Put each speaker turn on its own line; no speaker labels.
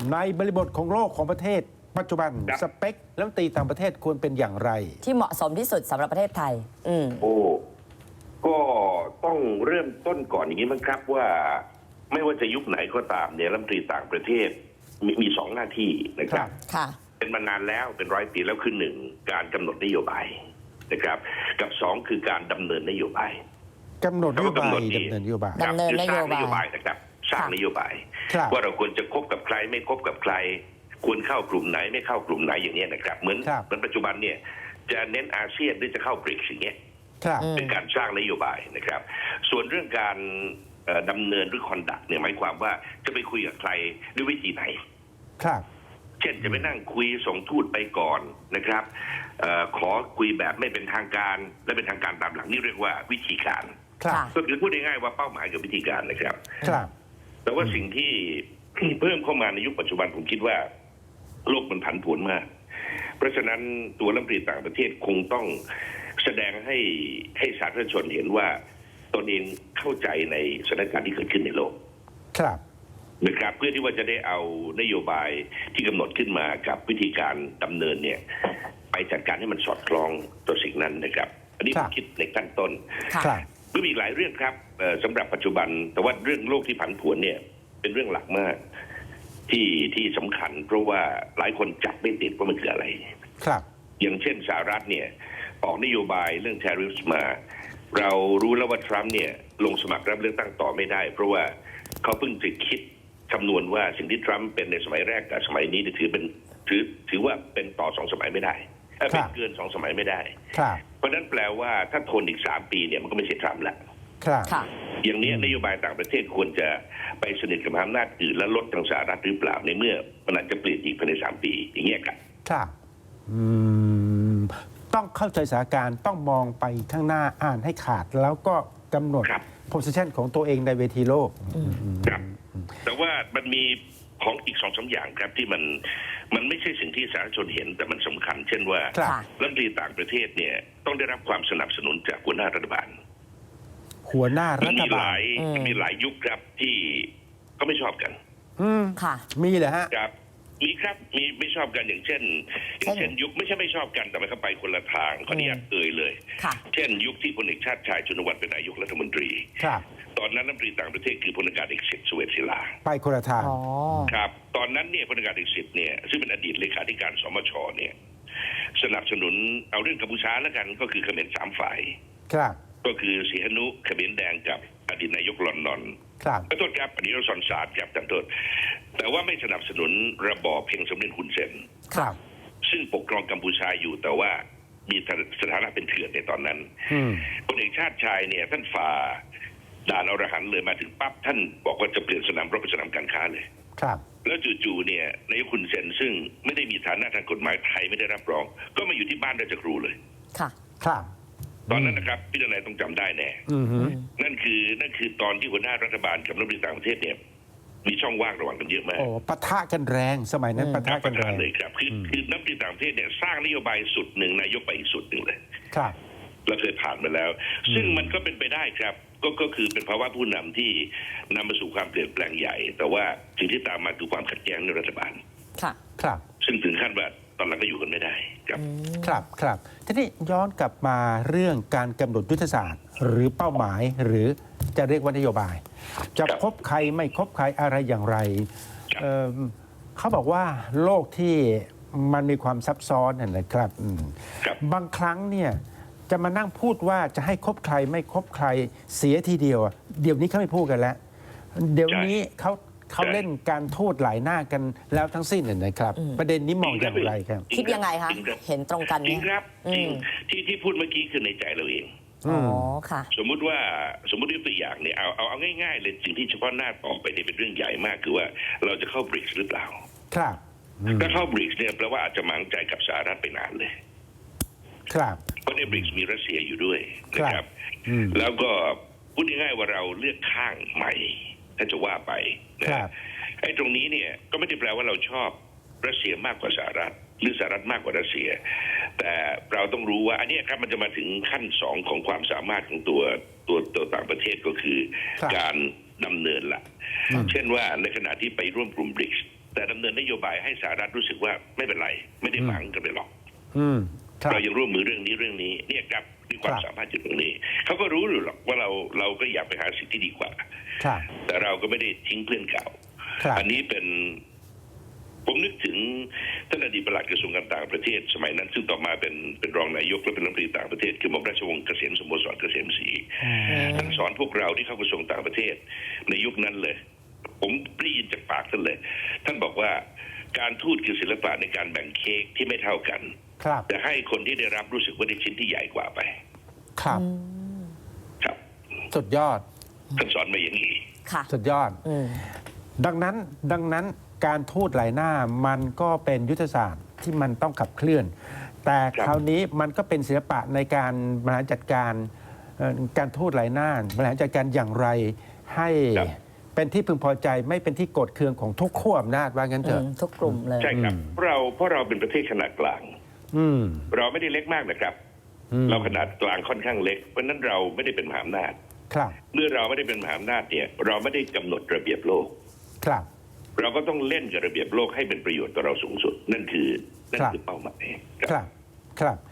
ในบริบทของโลกของประเทศปัจจุบันสเปครัฐมนตรีต่างประเทศควรเป็นอย่างไร
ที่เหมาะสมที่สุดสำหรับประเทศไทย
ก็ต้องเริ่มต้นก่อนอย่างนี้มั้งครับว่าไม่ว่าจะยุคไหนก็ตามเนี่ยรัฐมนตรีต่างประเทศมีสองหน้าที่นะครับเป็นมานานแล้วเป็น100 ปีแล้วคือหนึ่งการกำหนดนโยบายนะครับกับสองคือการดำเนินนโยบาย
กำหนดนโยบายดำเนินนโยบาย
คือสร้างนโยบายนะครับสร้างนโยบายว่าเราควรจะคบกับใครไม่คบกับใครควรเข้ากลุ่มไหนไม่เข้ากลุ่มไหนอย่างนี้นะครับเหมือนปัจจุบันเนี่ยจะเน้นอาเซียนหรือจะเข้าบริกส์อย่างเงี้ยเป็นการสร้างนโยบายนะครับส่วนเรื่องการดำเนินหรือคอนดักเนี่ยหมายความว่าจะไปคุยกับใครด้วยวิธีไหน
ครับ
เช่นจะไปนั่งคุยส่งทูตไปก่อนนะครับขอคุยแบบไม่เป็นทางการและเป็นทางการตามหลังนี่เรียกว่าวิธีการก็คือพูดง่ายๆว่าเป้าหมายกับวิธีการนะครับแต่ว่าสิ่งที่เพิ่มเข้ามาในยุคปัจจุบันผมคิดว่าโลกมันผันผวนมากเพราะฉะนั้นตัวรัฐมนตรีต่างประเทศคงต้องแสดงให้สาธารณชนเห็นว่าตนเองเข้าใจในสถานการณ์ที่เกิดขึ้นในโลกนะครับเพื่อที่ว่าจะได้เอานโยบายที่กำหนดขึ้นมากับวิธีการดำเนินเนี่ยไปจัดการให้มันสอดคล้องต่อสิ่งนั้นนะครับอันนี้ผมคิดในขั้นต้นก็มีหลายเรื่องครับสำหรับปัจจุบันแต่ว่าเรื่องโลกที่ผันผวนเนี่ยเป็นเรื่องหลักมากที่สำคัญเพราะว่าหลายคนจับไม่ติดว่ามันคืออะไร
ครับ
อย่างเช่นสหรัฐเนี่ยออกนโยบายเรื่อง tariffs มาเรารู้แล้วว่าทรัมป์เนี่ยลงสมัครรับเลือกตั้งต่อไม่ได้เพราะว่าเขาเพิ่งจะคิดคำนวณว่าสิ่งที่ทรัมป์เป็นในสมัยแรกกับสมัยนี้ถือว่าเป็นต่อ2 สมัยไม่ได้เป็นเกิน2 สมัยไม่ได้เพราะนั้นแปลว่าถ้าทนอีก3 ปีเนี่ยมันก็ไม่ใช่ทรัมป์ละอย่างนี้นโยบายต่างประเทศควรจะไปสนิทกับอำนาจอื่นและลดทางสหรัฐหรือเปล่าในเมื่อมันอาจจะเปลี่ยนอีกภายใน3 ปีอย่างเงี้ยครับ
ต้องเข้าใจสถานการณ์ต้องมองไปข้างหน้าอ่านให้ขาดแล้วก็กำหนด position ของตัวเองในเวทีโลก
ครับแต่ว่ามันมีของอีก2-3 อย่างครับที่มันไม่ใช่สิ่งที่สาธารณชนเห็นแต่มันสำคัญเช่นว่ารัฐมนตรีต่างประเทศเนี่ยต้องได้รับความสนับสนุนจากหัวหน้ารัฐบาลมีหลายยุคครับที่ก็ไม่ชอบกัน
มีเหรอฮะ
ครับมีครับมีไม่ชอบกันอย่างเช่นยุคไม่ใช่ไม่ชอบกันแต่มันเข้าไปคนละทางขออนุญาตเลยเช่นยุคที่พลเอกชาติชายชุนวัฒน์เป็นนายกรัฐมนตรีตอนนั้นรัฐมนตรีต่างประเทศคือพลอากาศเอกสิทธิ์ เสวตศิลา
ไปคนละทาง
ครับตอนนั้นเนี่ยพลอากาศเอกสิทธิ์เนี่ยซึ่งเป็นอดีตเลขาธิการสมชเนี่ยสนับสนุนเอาเรื่องกัมพูชาแล้วกันก็คือเขมร3 ฝ่ายก็คือสีหนุเขมรแดงกับอดีตนายกลอนนอนขอโทษครับอดีตนายกซอนซานครับจำโทษแต่ว่าไม่สนับสนุนระบอบเพียงสมเด็จฮุนเซนซึ่งปกครองกัมพูชาอยู่แต่ว่ามีสถานะเป็นเถื่อนในตอนนั้นพลเอกชาติชายเนี่ยท่านฝ่าด่านอรหันต์เลยมาถึงปั๊บท่านบอกว่าจะเปลี่ยนสนามรบเป็นสนามการค้าเลยแล้วจู่ๆเนี่ยนายกฮุนเซนซึ่งไม่ได้มีฐานะทางกฎหมายไทยไม่ได้รับรองก็มาอยู่ที่บ้านราชครูเลยตอนนั้นนะครับพี่นายต้องจำได้แน่นั่นคือตอนที่หัวหน้ารัฐบาลกับรัฐมนตรีต่างประเทศเนี่ยมีช่องว่างระหว่างกันเยอะมาก
ปะทะกันแรงสมัยนั้นปะทะกันแรง
เลยครับคือรัฐมนตรีต่างประเทศเนี่ยสร้างนโยบายสุดหนึ่งนายกไปอีกสุดหนึ่งเลยเราเคยผ่านมาแล้วซึ่งมันก็เป็นไปได้ครับก็คือเป็นภาวะผู้นำที่นำมาสู่ความเปลี่ยนแปลงใหญ่แต่ว่าสิ่งที่ตามมาคือความขัดแย้งในรัฐบาลซึ่งถึงขั้นว่าตอนหลังก็อยู่กันไม่ได้
ครับทีนี้ย้อนกลับมาเรื่องการกำหนดยุทธศาสตร์หรือเป้าหมายหรือจะเรียกว่านโยบายจะคบใครไม่คบใครอะไรอย่างไรเขาบอกว่าโลกที่มันมีความซับซ้อนนะครับบางครั้งเนี่ยจะมานั่งพูดว่าจะให้คบใครไม่คบใครเสียทีเดียวเดี๋ยวนี้เขาไม่พูดกันแล้วเดี๋ยวนี้เขาเล่นการทูตหลายหน้ากันแล้วทั้งสิ้นนะครับประเด็นนี้มองอย่างไรครับ
คิดยังไงคะเห็นตรงกันไหม
จริงครับที่พูดเมื่อกี้คือในใจเราเองสมมุติยกตัวอย่างเนี่ยเอาง่ายๆเลยสิ่งที่เฉพาะหน้าต่อไปเนี่ยเป็นเรื่องใหญ่มากคือว่าเราจะเข้าบริกส์หรือเปล่าถ้าเข้าบริกส์เนี่ยแปลว่าอาจจะหมางใจกับสหรัฐไปนานเลยเพราะในบริกส์มีรัสเซียอยู่ด้วยนะครับแล้วก็พูดง่ายๆว่าเราเลือกข้างใหม่ถ้าจะว่าไปนะไอ้ตรงนี้เนี่ยก็ไม่ได้แปลว่าเราชอบรัสเซียมากกว่าสหรัฐหรือสหรัฐมากกว่ารัสเซียแต่เราต้องรู้ว่าอันนี้ครับมันจะมาถึงขั้น2ของความสามารถของตัวต่างประเทศก็คือการดำเนินละเช่นว่าในขณะที่ไปร่วมกลุ่มบริกส์แต่ดำเนินนโยบายให้สหรัฐรู้สึกว่าไม่เป็นไรไม่ได้หวังกันไปหรอก
ครับ
เรายังร่วมมือเรื่องนี้เนี่ยครับมีความ
ครับ
สามารถอยู่ตรงนี้เขาก็รู้อยู่หรอกว่าเราก็อยากไปหาสิ่งที่ดีกว่า
ครับ
แต่เราก็ไม่ได้ทิ้งเพื่อนเก่า
ครับ
อันนี้เป็นผมนึกถึงท่านอดีตปลัดกระทรวงการต่างประเทศสมัยนั้นซึ่งต่อมาเป็นรองนายกและเป็นรัฐมนตรีต่างประเทศคือหม่อมราชวงศ์เกษมสโมสรเกษมศรีท่านสอนพวกเราที่เข้ากระทรวงต่างประเทศในยุคนั้นเลย ผมได้ยินจากปากท่านเลย ท่านบอกว่าการทูตคือศิลปะในการแบ่งเค้กที่ไม่เท่ากัน
ครับ
แต่ให้คนที่ได้รับรู้สึกว่าได้ชิ้นที่ใหญ่กว่าไป
ครับ
ครับ
สุดยอด
ท่านสอนมาอย่างนี้
ค่ะ
สุดยอด ดังนั้นการทูตหลายหน้ามันก็เป็นยุทธศาสตร์ที่มันต้องขับเคลื่อน แต่
ครับ
คราวนี้มันก็เป็นศิลปะในการบริหารจัดการการทูตหลายหน้าบริหารจัดการอย่างไรให้เป็นที่พึงพอใจไม่เป็นที่โกรธเคืองของทุกขั้วอำนาจว่างั้นเถอะ
ทุกกลุ่มเลย
ใช่ครับเพราะเราเป็นประเทศขนาดกลาง
อืม
เราไม่ได้เล็กมากนะครับ เราขนาดกลางค่อนข้างเล็กเพราะฉะนั้นเราไม่ได้เป็นมหาอำนาจ
ครับ
เมื่อเราไม่ได้เป็นมหาอำนาจเนี่ยเราไม่ได้กำหนดระเบียบโลก
ครับ
เราก็ต้องเล่นกับระเบียบโลกให้เป็นประโยชน์ต่อเราสูงสุด นั่นคือเป้าหมาย
ครับ ครับ